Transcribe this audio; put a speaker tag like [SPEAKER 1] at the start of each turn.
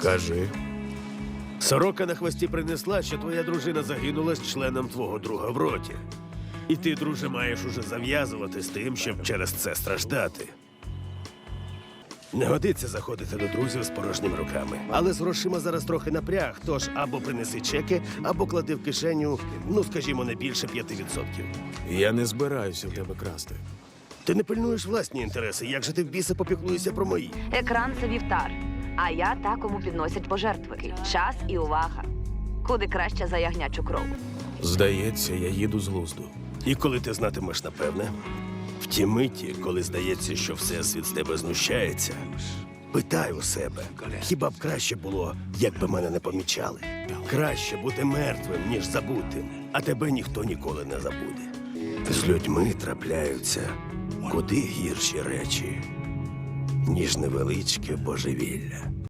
[SPEAKER 1] Кажи.
[SPEAKER 2] Сорока на хвості принесла, що твоя дружина загинула з членом твого друга в роті. І ти, друже, маєш уже зав'язувати з тим, щоб через це страждати. Не годиться заходити до друзів з порожніми руками. Але з грошима зараз трохи напряг, тож або принеси чеки, або клади в кишеню, ну, скажімо, не більше 5%.
[SPEAKER 1] Я не збираюся в тебе красти.
[SPEAKER 2] Ти не пильнуєш власні інтереси, як же ти в біса попіклуєшся про мої?
[SPEAKER 3] Екран – це вівтар, а я та, кому підносять пожертви. Час і увага. Куди краще за ягнячу кров.
[SPEAKER 1] Здається, я їду з глузду.
[SPEAKER 2] І коли ти знатимеш напевне, в ті миті, коли здається, що всесвіт з тебе знущається, питай у себе, хіба б краще було, якби мене не помічали? Краще бути мертвим, ніж забутим, а тебе ніхто ніколи не забуде. З людьми трапляються куди гірші речі, ніж невеличке божевілля.